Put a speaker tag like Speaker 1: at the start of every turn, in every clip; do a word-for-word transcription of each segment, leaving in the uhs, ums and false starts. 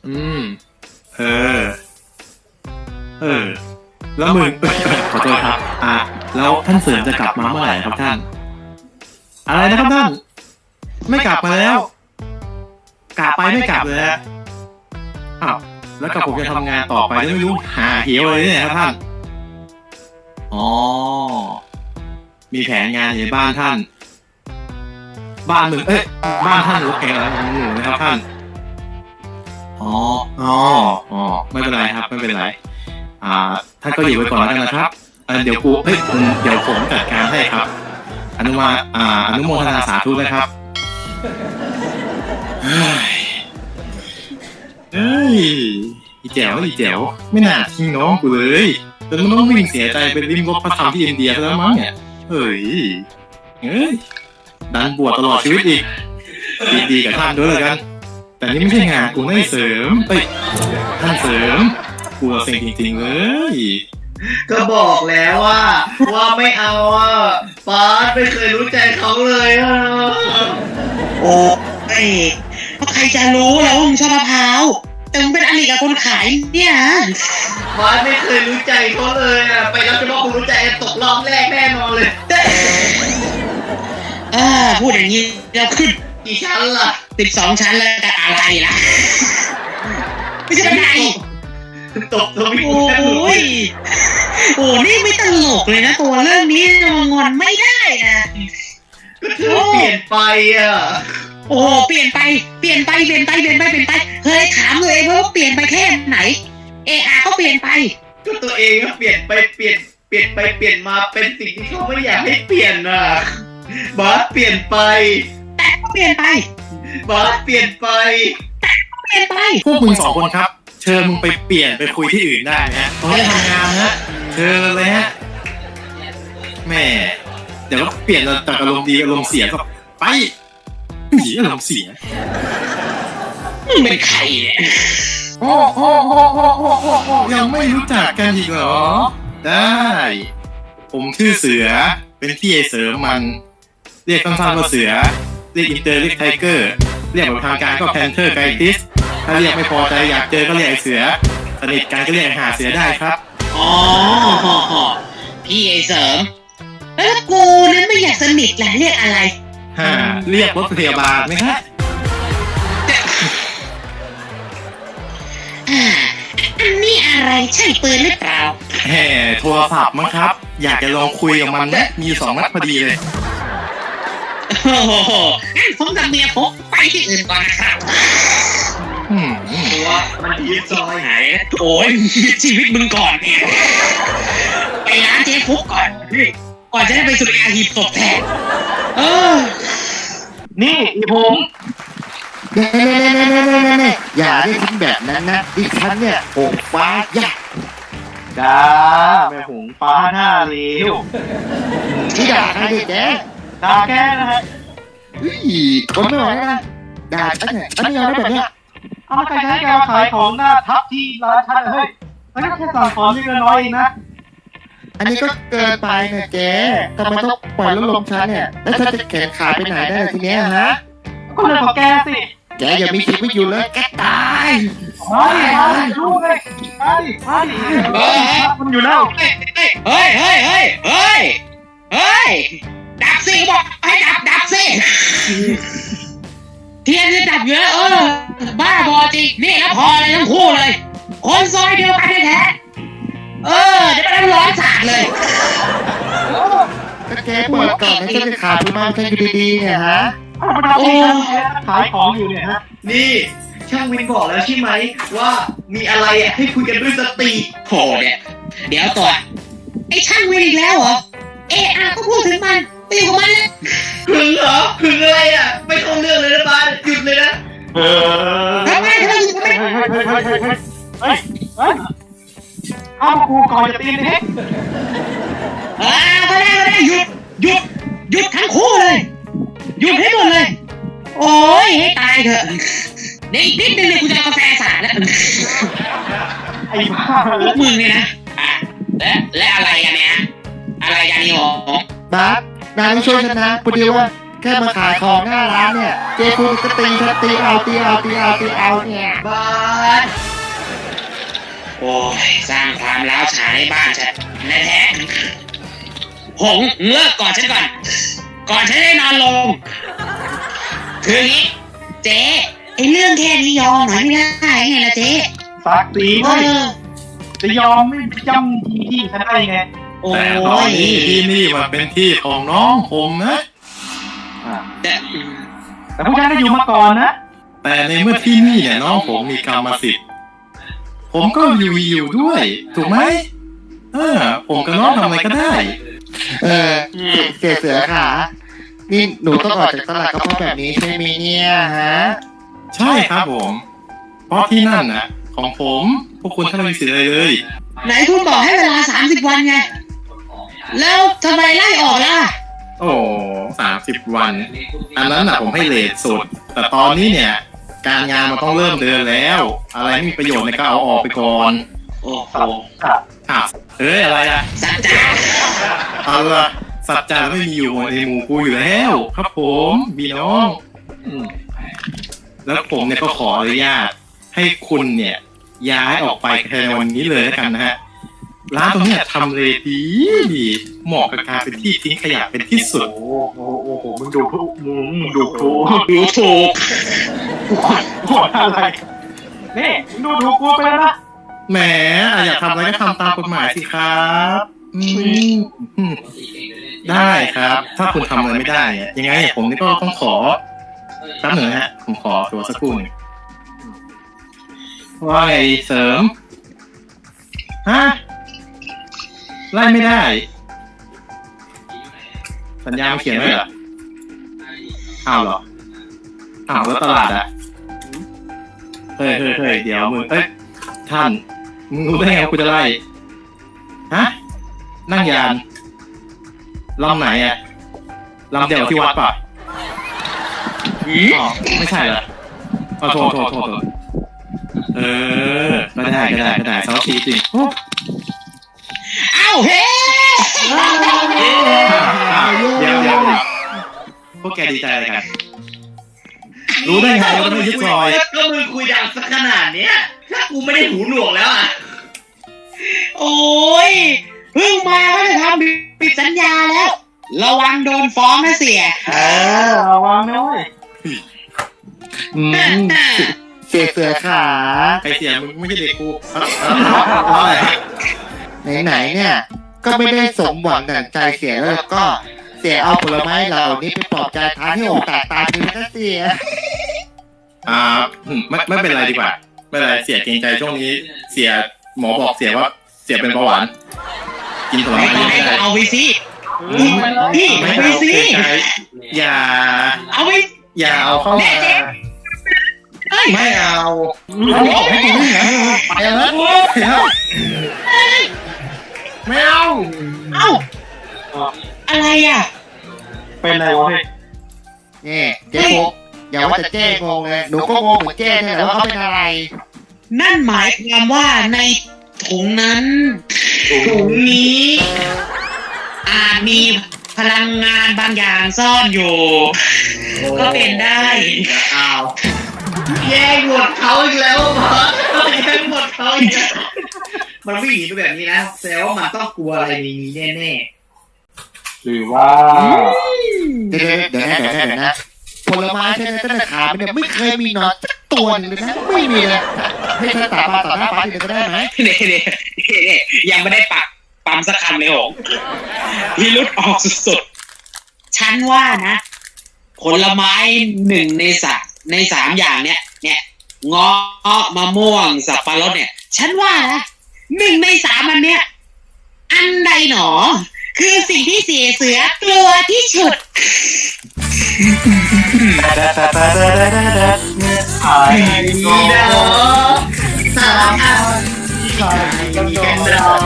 Speaker 1: อืมเออเออแล้วมึงขอโทษครับอ่าแล้วท่านเสริมจะกลับมาเมื่อไหร่ครับท่านอะไรนะครับท่านไม่กลับมาแล้วกลับไปไม่กลับเลยฮะอ้าวแล้วกับผมจะทำงานต่อไปไม่รู้หาเหวเลยเนี่ยครับท่านอ๋อมีแผนงานในบ้านท่านบ้านมึงเอ้ยบ้านท่านหรือแกอะไรของหนูนะครับท่านอ๋ออ๋ออ๋อไม่เป็นไรครับไม่เป็นไรอ่าท่านก็อยู่ไว้ก่อนแล้วกันนะครับเดี๋ยวกูเฮ้ยเดี๋ยวผมจัดการให้ครับอนุมาอ่าอนุโมทนาสาธุนะครับเฮ้ยเฮ้ยอีแจ๋วอีแจ๋วไม่น่าทิ้งน้องกูเลยจนมันต้องวิ่งเสียใจไปริมรถพระธรรมที่อินเดียแล้วมั้งเนี่ยเฮ้ยเฮ้ยดันบวชตลอดชีวิตอีกดีๆกับท่านด้วยเลยกันแต่นี่ไม่ใช่งานกูไม่เสริมเอ้ยท่านเสริมกูเซ็งจริงๆเลย
Speaker 2: ก็บอกแล้วว่าว่าไม่เอาอ่ะป๊าดไม่เคยรู้ใจเขาเลยอ่ะ
Speaker 3: โอ้ยใครจะรู้แล้วว่ามึงชอบมะพร้าวแต่มึงเป็นอริกับคนขายเนี่ย
Speaker 2: ป๊าดไม่เคยรู้ใจเขาเลยอ่ะไปรับจะบอกคุณรู้ใจตกรอบแรกแน่นอนเลย
Speaker 3: อ่าพูดอย่างนี้เราขึ้น
Speaker 2: กี่ชั้นล่ะ
Speaker 3: สิบสองชั้นแล้วกันอะไรล่ะไม่ใช่ไง
Speaker 2: ตกตรงนี้
Speaker 3: โอ้ยโอ้นี่ไม่ตลกเลยนะตัวเรื่องนี้งอนไม่ได้นะ
Speaker 2: ก็เธอเปลี่ยนไปอ่ะ
Speaker 3: โอ้เปลี่ยนไปเปลี่ยนไปเปลี่ยนไปเปลี่ยนไปเปลี่ยนไปเคยถามเลยว่าเปลี่ยนไปแค่ไหนเออาก็เปลี่ยนไป
Speaker 2: ก็ตัวเองก็เปลี่ยนไปเปลี่ยนเปลี่ยนไปเปลี่ยนมาเป็นสิ่งที่เขาไม่อยากให้เปลี่ยนอ่ะบอสเปลี่ยนไป
Speaker 3: แต่ก็เปลี่ยนไป
Speaker 2: บอสเปลี่ยนไป
Speaker 3: แต่ก็เปลี่ยนไป
Speaker 1: พวกมึงสองคนครับเชิญมึงไปเปลี่ยนไปคุยที่อื่นได้นะตรงนี้ทำงานนะเชิญเลยฮะแม่เดี๋ยวก็เปลี่ยนจากอารมณ์ดีอารมณ์เสียก็ไปหนีอารมณ์เสีย
Speaker 3: มึงเป็นใครเนี่ย
Speaker 1: โอ้โอ้โอ้โอ้โอ้โอ้ยังไม่รู้จักกันอีกเหรอได้ผมชื่อเสือเป็นพี่ไอเสริมมันเรียกสั้นๆว่าเสือเรียกอินเตอร์เรียกไทเกอร์เรียกแบบทางการก็แพนเทอร์ไกติสถ้าเรียกไม่พอใจอยากเจอก็เรียกไอเสือสนิทกันก็เรียกหาเสือได้ครับ
Speaker 3: อ๋อพี่ไอเสริมแล้วกูนั้นไม่อยากสนิทแหละเรียกอะไร
Speaker 1: ฮ่าเรียกรถพยาบาลไหมครับ
Speaker 3: อันนี้อะไรใช่ปืนหรือเปล่า
Speaker 1: แหมโทรศัพท์มั้งครับอยากจะลองคุยกับมันนะมีสองนัดพอดีเลย
Speaker 3: โอ้โหงั้นผมกับเมียผมไปที่อื่นก่อนนะครับ
Speaker 2: ตัวมันยืดซอยไหน
Speaker 3: โอ้ยชีวิตมึงก่อนเนี่ยไปร้านเจ๊ฟุกก่อนก่อนจะได้ไปสุริยาหีบศพแทนเออ
Speaker 2: นี่อีผม
Speaker 4: เน่เน่เน่เน่เน่เน่เน่อย่าได้ทิ้งแบบนั้นนะดิฉันเนี่ยหงฟ้ายักษ์
Speaker 2: จ้าแม่หงฟ้าหน้าเลี้ยว
Speaker 4: ที่ด่าใครเด็กแก
Speaker 2: ด่าแกนะฮะ
Speaker 4: อุ้ยคนไม่ไหวนะด่าฉันเนี่ยฉันไม่ยอมได้แบบเนี้ย
Speaker 2: เอามาใครใช้แกมาขายของหน้าทับที่ร้านฉันเฮ้ยมันก็แค่สั่งของนี่ก็น้อยเองนะ
Speaker 4: อันนี้ก็เกินไปนะเจ๊ทำไมต้องปล่อยลดลมฉันเนี่ยแล้วฉันจะแขนขาไปไหนได้ทีเนี้ยฮะ
Speaker 2: ก็เรื่องของแกสิ
Speaker 4: แกอย่ามีชีวิตอยู่เลยแกตาย
Speaker 2: มาดิมาดิลูกเลยมาดิมาดิเฮ้ยมันอยู่แล้ว
Speaker 3: เฮ้ยเฮ้ยเฮ้ยเฮ้ยเฮ้ยดับสิบอกให้ดับดับสิเทียนจะดับเยอะเออบ้าบอจริงนี่แล้วพอเลยทั้งคู่เลยคนซอยเดียวกันแท้เออเดี๋ยวมันร้อนสาดเลย
Speaker 4: ก็แกเปิดก่อนให้ฉันจะขาดทุนมาฉันอยู่ดีๆเนี่ยฮะ
Speaker 2: โอ้ขายของอยู่เนี่ยฮะนี่ช่างวินบอกแล้วใช่ไหมว่ามีอะไรอ่ะให้คุยกันด้วยสติ
Speaker 3: โหเนี่ยเดี๋ยวตัวไอ้ช่างวินอีกแล้วเหรอเออาก็พูดถึงมันไปอยู่กับมันเลย
Speaker 2: หึงเหรอหึงอะไรอ่ะไม่ต้องเรื่องเลยนะบ้านหยุดเลยนะ
Speaker 3: เออทำไมทำไมทำไม
Speaker 2: เฮ้ยเฮ้ยเอากูก่อนจะตีนเฮ้ย
Speaker 3: อ่าก็ได้ก็ได้หยุดหยุดหยุดทั้งคู่เลยหยุดให้หมดเลยโอ้ยให้ตายเถอะเดี๋ยวอีกนิดนึงเนี่ยกูจะเอากาแฟสาดแล้ว
Speaker 2: ไอ้บ้า
Speaker 3: พวกมึงเนี่ยนะอ่ะและและอะไรกันเนี่ยอะไรกันนี่หรอ
Speaker 4: บ้า นายช่วยฉันนะพอดีว่าแแค่มาขายของหน้าร้านเนี่ย เจ๊ฟูก็ตีฉันตีเอาตีเอาตีเอาตีเอาเนี่ย
Speaker 2: บาส
Speaker 3: โอ้ยสร้างความร้าวฉานในบ้านฉันแท้ๆหงเลิกก่อนฉันก่อน ก่อนฉันได้นอนลง คืออย่างนี้ เจ๊ไอเรื่องแค่นี้ยอมหน่อยไม่ได้ไงล่ะเจ๊
Speaker 5: สักตี
Speaker 3: เอ
Speaker 5: ไม่
Speaker 3: อ
Speaker 5: จะยอมไม่ย่ำทีที่ฉันได้ไง
Speaker 3: โอ้
Speaker 1: แต่ตอน
Speaker 3: ย
Speaker 1: นี้ที่นี่มันเป็นที่ของน้องผมนะ
Speaker 3: แต่
Speaker 5: แต่พวกฉันก็อยู่มาก่อนนะ
Speaker 1: แต่ในเมื่อที่นี่เนี่ยน้องผมมีกรรมสิทธิ์ ผมก็อยู่อยู่ด้วย ถูกไหมเออ ผมกับน้องทำอะไรก็ได้
Speaker 4: เออเสียเสือขานี่หนูต้องออกจากตลาดก็เพราะแบบนี้ใช่ไหมเนี่ยฮะ
Speaker 1: ใช่ครับผม เพราะที่นั่นน่ะ ของผมพวกคุณถ้าไม่มีสิทธิ์อะไรเลย
Speaker 3: ไหนคุณบอกให้เวลาสามสิบวันไง แล้วทำไมไล่ออกล่ะ
Speaker 1: โอ้สามสิบวัน อันนั้นน่ะผมให้เลทสุด แต่ตอนนี้เนี่ย การงานมันต้องเริ่มเดินแล้ว อะไรไม่มีประโยชน์เนี่ยก็เอาออกไปก่อน
Speaker 3: โอ้โห
Speaker 1: อ่ะเอ้ยอะไรอ่ะ
Speaker 3: สัจจา
Speaker 1: เอาละสัจจะไม่มีอยู่ในหมู่กูอยู่แล้ว ครับผมพี่น้องอืมแล้วผมเนี่ยก็ขออนุญาตให้คุณเนี่ย ย้ายออกไปภายในวันนี้เลยแล้วกันนะฮะ ร้านตรงเนี้ยทำเลดีดีเหมาะกับการเป็นที่ทิ้งขยะเป็นที่สุด
Speaker 5: โอ้โหโอ้โหมึงดูถูกมึงดูถูก
Speaker 3: ดูถูก
Speaker 5: ปวดอะไรนี่มึงดูถูกกูไปแล้วนะ
Speaker 1: แหมอยากทำอะไรก็ทำตามกฎหมายสิครับอืมอืมได้ครับ ถ้าคุณทำอะไรไม่ได้เนี่ยยังไงผมนี่ก็ต้องขอแป๊บหนึ่งนะฮะ ผมขอตัวสักครู่หนึ่งว่าไงเสริมฮะไล่ไม่ได้ สัญญาเขียนไว้เหรออ้าวเหรออ้าวแล้วตลาดอะเฮ้ยเฮ้ยเฮ้ยเดี๋ยวมึงเอ้ยท่านมึงรู้ได้ไงว่ากูจะไล่ฮะนั่งยานลำไหนอะลำเดียวกับที่วัดป่ะอ๋อไม่ใช่เหรออ๋อโทษโทษโทษโทษเออก็ได้ก็ได้ก็ได้เซาชีจริงโอ้
Speaker 3: เอ้าเฮ้
Speaker 1: อ้าวเดี๋ยวเดี๋ยวเดี๋ยวพวกแกดีใจอะไรกัน รู้ได้ไงว่าไม่ยึดซอย
Speaker 2: ก็มึงคุยดังสักขนาดเนี้ย ถ้ากูไม่ได้หูหนวกแล้วอ่ะ
Speaker 3: โอ้ยเพิ่งมาก็จะทำผิดสัญญาแล้ว ระวังโดนฟ้องนะเสีย
Speaker 5: เออระวังนะเว้ย
Speaker 4: อืมเสียเสือขา
Speaker 1: ใครเสียมึงไม่ใช่เด็กกูอะไร
Speaker 4: ไหนๆเนี่ย ก็ไม่ได้สมหวังดั่งใจเสียแล้วก็เสียเอาผลไม้เหล่านี้ไปปลอบใจทานให้อกแตกตายไปเลยนะเสีย
Speaker 1: อ่าไม่ไม่เป็นไรดีกว่า ไม่เป็นไรเสียเกรงใจช่วงนี้ เสียหมอบอกเสียว่าเสียเป็นเบาหวาน กินผล
Speaker 3: ไม่
Speaker 1: ไม้
Speaker 3: ต้อง
Speaker 1: เย
Speaker 3: ให้
Speaker 1: อะ
Speaker 3: ก็
Speaker 1: ได้
Speaker 3: เอาไปสิ
Speaker 5: อืมไปเลย
Speaker 3: พี่
Speaker 1: ไม่
Speaker 3: เอาไป
Speaker 1: เอา
Speaker 3: สิ
Speaker 1: เกรงใจอย่า
Speaker 3: เอาไป
Speaker 1: อย่าเอาเข้ามา
Speaker 3: เฮ้ย
Speaker 1: ไม่เอาบอกให้กูวิ่งนะไปแล้วไปแล้วไม่เอา
Speaker 3: เอ้าอะไรอ่ะ
Speaker 5: เป็นไรวะเฮ้ย
Speaker 4: นี่เจ๊ฟุกอย่าว่าแต่เจ๊งงเลยหนูก็งงเหมือนเจ๊เนี่ยแหละว่าเขาเป็นอะไร
Speaker 3: นั่นหมายความว่าในถุงนั้น ถุงนี้ อาจมีพลังงานบางอย่างซ่อนอยู่ ก็เป็นได้
Speaker 1: อ้าว
Speaker 2: แย่งหมดเขาอีกแล้วบอสแย่งหมดเขาอีกแล้วมันไม่หนีไปแบบนี้นะแสดงว่ามันต้องกลัวอะไรในนี้แน่
Speaker 5: หรือว่า
Speaker 4: เดี๋ยวเดี๋ยวนะเดี๋ยวนะเดี๋ยวนะผลไม้ใช่ไหมตั้งแต่ขาไปเนี่ยไม่เคยมีหนอนสักตัวหนึงเลยนะไม่มีเลยให้ฉันสาบานต่อหน้าฟ้าทีเดียวก็ได้ไหม
Speaker 3: เน่เน่เน่ยังไม่ได้ปักปั๊มสักคำเลยโหงพิรุษออกสุดๆ ฉันว่านะ ผลไม้หนึ่งในสัตว์ในสามอย่างเนี้ยเนี่ยเงาะมะม่วงสับปะรดเนี่ย ฉันว่านะหนึ่งในสามอันเนี้ยอันใดหนอ คือสิ่งที่เสียเสือกลัวที่สุด
Speaker 5: ไอ้
Speaker 2: ๆ
Speaker 5: ดี
Speaker 2: ดี
Speaker 5: นะ
Speaker 2: นะสามอัน
Speaker 5: มีกันรอ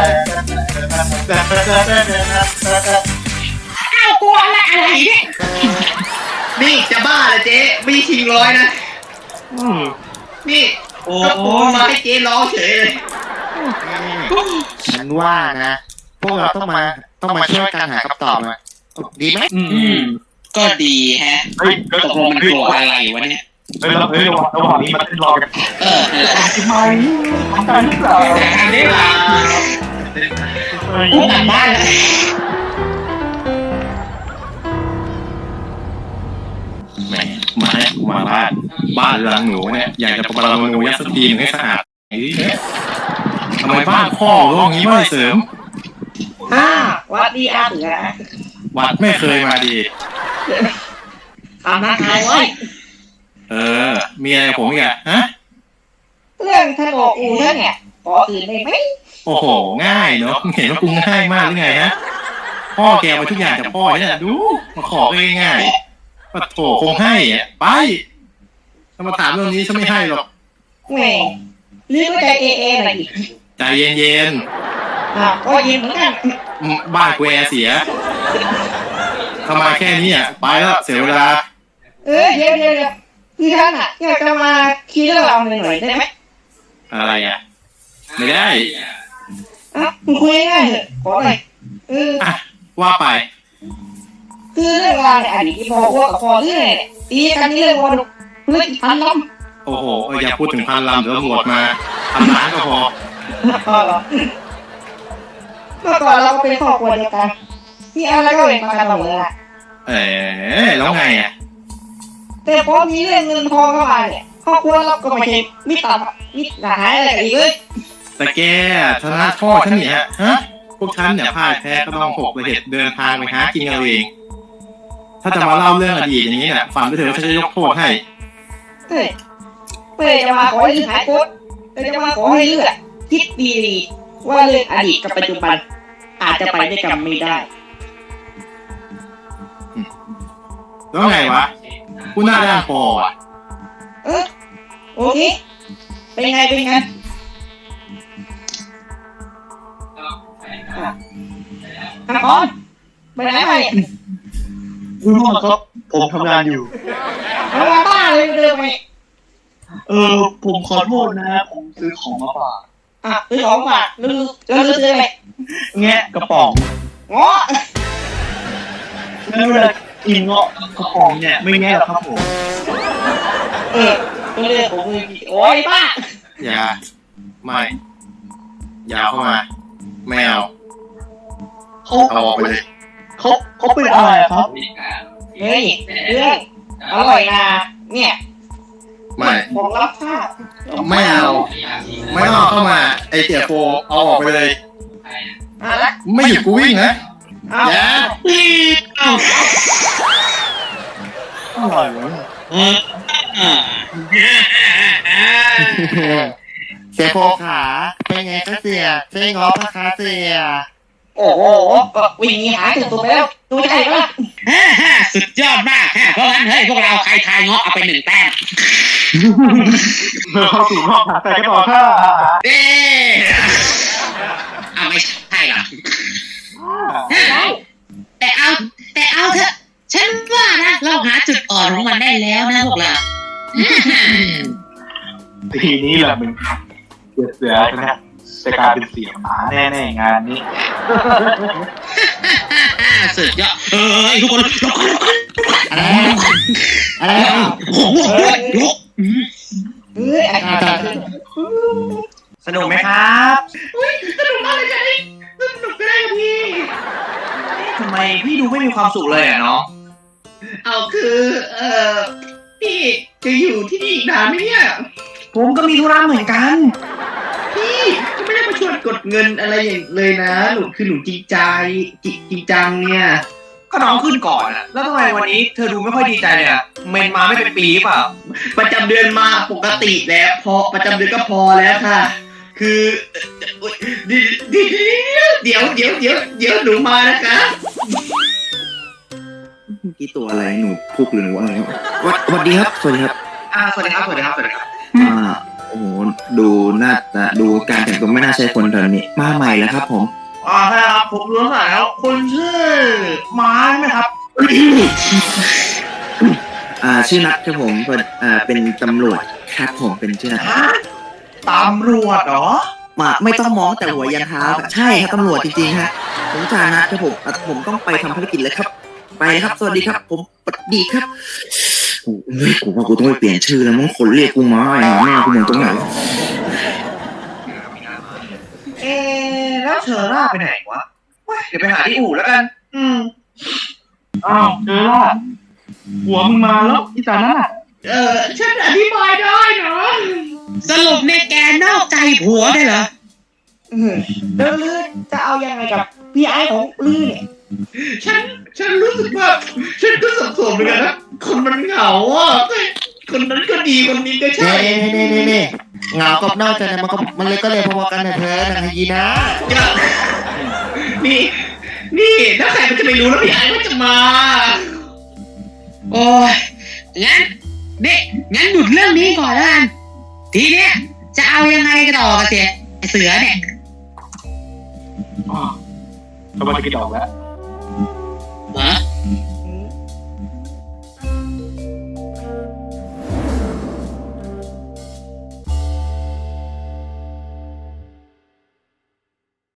Speaker 3: อ้าวกลัวอะไรอะไรเนี่ย
Speaker 2: นี่จะบ้าเหรอเจ๊ไม่ใช่ชิงร้อยนะ
Speaker 5: อืม
Speaker 2: นี่
Speaker 3: โอ้
Speaker 2: ก็ปูมาให้เจ๊ร้องเฉยเลย
Speaker 4: ฉันว่านะ พวกเราต้องมาต้องมาช่วยกันหาคำตอบมาดีไหม
Speaker 5: อืม
Speaker 3: อืมก็ดีแฮะ
Speaker 5: เฮ้ย
Speaker 3: ตกลงมันกลัวอะไรวะเนี่ย
Speaker 5: เฮ้ยเฮ้ยระหว่างระหว่างนี้มันเต้นรอกัน
Speaker 3: เออนั่นแหละ
Speaker 5: ทำไมทำการหรือเปล่า
Speaker 3: แต่ทางนี้ล่ะ
Speaker 5: เฮ้ย
Speaker 3: กูกลับบ้านแล้ว
Speaker 1: แหมมาเนี่ยมาบ้านบ้านหลังหนูเนี่ยอยากจะประมาณหนูยัดสตีนให้สะอาดไอ้เนี่ยทำไมบ้านพ่อโลกนี้ไม่เสริม
Speaker 2: อ่าวัดดีอาเสือ
Speaker 1: วัดไม่เคยมาดี
Speaker 2: ทำหน้าทายไว้
Speaker 1: เออ มีอะไรกับผมอีกอะฮะ
Speaker 2: เรื่องท่านบอกอูท่านเนี่ยขออื่นได้ไหม
Speaker 1: โอ้โห ง่ายเนาะเห็นว่ากูง่ายมากหรือไงฮะพ่อแกมาทุกอย่างจากพ่อเนี่ยดูมาขอก็ง่ายๆปะโถคงให้อะไปถ้ามาถามเรื่องนี้ฉันไม่ให้หรอก
Speaker 2: แหมหรือว่าใจเอเอหน่อยอีก
Speaker 1: ใจเย็น
Speaker 2: อ่าก็เย็นเหมือนกัน
Speaker 1: ๆอืมบ้านแกเสียทำไมแค่นี้อ่ะไปแล้วเสียเวลา
Speaker 2: เออเดี๋ยวเดี๋ยวเดี๋ยวคือท่านอ่ะอยากจะมาคิดเรื่องเราหน่อยได้ไหม
Speaker 1: อะไรอ่ะ ไม่ได้
Speaker 2: อ่ะมึงคุยง่ายๆเถอะขอหน่อยเออ
Speaker 1: อ่ะว่าไป
Speaker 2: คือเรื่องราวในอดีตที่พ่ออ้วกกับพ่อเรื่องเนี่ยตีกันที่เรื่องวันเรื่องพันลำ
Speaker 1: โอ้โหเอออย่าพูดถึงพันลำเดี๋ยวตำรวจมาพันล้านก็พอ
Speaker 2: อ๋อเหรอเมื่อก่อนเราก็เป็นครอบครัวเดียวกันมีอะไรก็เป็นมากันเสมอละ
Speaker 1: เอ๋แล้วไงอ่ะ
Speaker 2: แต่พอมีเรื่องเงินทองเข้ามาเนี่ยครอบครัวเราก็ไม่ใช่มิตรมิตรหายอะไรกันอีกเลย
Speaker 1: แต่แกชนะพ่อฉันเนี่ยฮะพวกฉันเนี่ยพ่ายแพ้ก็ต้องหกระเหตุเดินทางไปหากินเอาเอง ถ้าจะมาเล่าเรื่องอดีตอย่างนี้เนี่ยฝันไปเถอะว่าฉันจะยกโทษให้
Speaker 2: เฮ้ยเพื่อจะมาขอให้ลืมหายโกรธเพื่อจะมาขอให้เลือกคิดดีๆว่าเรื่องอดีตกับปัจจุบัน อาจจะไปด้วยกันไม่ได้
Speaker 1: แล้วไงวะกูหน้าด้านพออ่ะ
Speaker 2: เออโอเคเป็นไงเป็นไงอ่ะอ่ะก่อนไปไหนมาเนี่ย
Speaker 5: คุณพ่อครับผมทำงานอยู่
Speaker 2: เอามาบ้าเลยเดินไป
Speaker 5: เออผมขอโทษนะผมซื้อของมาฝาก
Speaker 2: อ่ะซื้อของฝากลือแล้วลือซื้ออะไร
Speaker 5: แงะกระป๋อง
Speaker 2: ง้อ
Speaker 5: แล้วเวลากินเงาะกระป๋องเนี่ยไม่แง่หรอกครับผม
Speaker 2: เออตัวเรื่องของมึงโอ้ยบ้า
Speaker 1: อย่าไม่อย่าเข้ามาไม่เอา
Speaker 5: เขา
Speaker 1: เอาออกไปเลย
Speaker 5: เขาเขาเป็นอะไรครับ
Speaker 2: เฮ้ยเรื่องอร่อยนะเนี่ย
Speaker 1: ไม่
Speaker 2: ผมรับทราบ
Speaker 1: ไม่เอาไม่ต้องเอาเข้ามาไอเสียโฟเอาออกไปเลย
Speaker 2: อ่ะละ
Speaker 1: ไม่หยุดกูวิ่งนะ
Speaker 2: เอา
Speaker 1: อย่า
Speaker 5: อะไรวะ
Speaker 4: เสียโฟขาเป็นไงก็เสียใช่งอพะคะเสีย
Speaker 2: โอ้โหก็วิ่งหนีหายถึงตัวไปแล้วตัวใหญ่ปะล่ะ
Speaker 3: ฮ่าฮ่าสุดยอดมากฮะเพราะงั้นเฮ้ยพวกเราใครทายเงาะเอาไปหนึ่งแต้ม
Speaker 5: เข้าสู่รอบถัดไปกันต่อค่ะ
Speaker 3: เอ๊ะอ่ะไม่ใช่หรอกแต่เอา แต่เอาเถอะ ฉันว่านะ เราหาจุดอ่อนของมันได้แล้วนะพวกเรา
Speaker 5: ทีนี้แหละมึงเสือเสือนะจะกลายเป็นเสียงหมาแน่ๆงานนี้
Speaker 3: สุดยอดเอ้ยทุกคนทุกคนทุกคน
Speaker 4: อะไรอะไร
Speaker 3: โอ้โหยก
Speaker 2: เฮ้ยอาจารย์
Speaker 5: สนุกไหมครับ
Speaker 2: สนุกมากเลยจ้ะนี่สนุกก็ได้กับพี่
Speaker 5: ทำไมพี่ดูไม่มีความสุขเลยอ่ะเนาะ
Speaker 2: เอาคือ เอ่อ พี่จะอยู่ที่นี่อีกนานไหมเนี่ย
Speaker 5: ผมก็มีธุระเหมือนกัน
Speaker 2: พี่ก็ไม่ได้มาชวนกดเงินอะไรอย่างเลยนะ หนูคือหนูจริงใจจริงจริงจังเนี่ย
Speaker 5: ก็น้องขึ้นก่อนอ่ะ แล้วทำไมวันนี้เธอดูไม่ค่อยดีใจเลยอ่ะเมนมาไม่เป็นปีเปล่า
Speaker 2: ประจำเดือนมาปกติแล้วพอประจำเดือนก็พอแล้วค่ะ คือเดี๋ยวเดี๋ยวเดี๋ยวเดี๋ยวหนูมานะคะ
Speaker 6: กี่ตัวอะไรหนูพุกหรือหนูอะไรครับวัสวัสดีครับสวัสดีครับ
Speaker 5: อ่าสวัสดีครับสวัสดีครับสวัสดีครับ
Speaker 6: อ่าโอ้โหดูหน้าตาดูการแต่งตัวไม่น่าใช่คนแถวนี้มาใหม่แล้วครับ ผม
Speaker 5: อ่าใช่ครับผมรู้สายแล้วคนชื่อม้าใช่ไหมครับ
Speaker 6: อ่าชื่อนัทครับผมเป็นอ่าเป็นตำรวจครับผมเป็นชื่อนัท
Speaker 5: ฮะตำรวจเหรอ
Speaker 6: มาไม่ต้องมองแต่หัวยันเท้าครับใช่ครับตำรวจจริงๆฮะผมจ่านัทครับผมอ่ะผมต้องไปทำภารกิจเลยครับไปครับ สวัสดีครับ ผมสวัสดีครับโอ้ยกูว่ากูต้องไปเปลี่ยนชื่อแล้วมึงคนเรียกกูมาไอ้หาแม่กูเหมือนตรงไหน
Speaker 2: เอ๊ะแล้วเชอร่าไปไหนวะเว้ยเดี๋ยวไปหาที่อู่แล้วกัน อืม
Speaker 5: อ้าวเจอละหัวมึงมาแล้วที่ตานั้นอ่ะ
Speaker 2: เออฉันอธิบายได้นะ
Speaker 3: สรุปในยแกนอกใจผัวได้เหรอ
Speaker 2: เออแล้วลือจะเอายังไงกับพี่ไอ้ของลือเนี่ย
Speaker 7: ฉัน ฉันรู้สึกว่า ฉันก็สับสนเหมือนกันนะ คนมันเหงาอ่ะ คนนั้นก็ดี คนนี้ก็ใช่
Speaker 4: เน่เน่เน่เน่เหงากับนอกใจเนี่ยมันก็มันเลยก็เลยพอๆกันนะเธอนางไฮยีนะ
Speaker 7: นี่ นี่ถ้าใครมันจะไม่รู้แล้วพี่ไอ้ว่าจะมา
Speaker 3: โอ้ยงั้นนี่งั้นหยุดเรื่องนี้ก่อนแล้วกัน ทีเนี้ยจะเอายังไงกันต่อกันเสียไอ้เสือเนี่ย
Speaker 5: อ๋อเขามาจะกินดอกแล้ว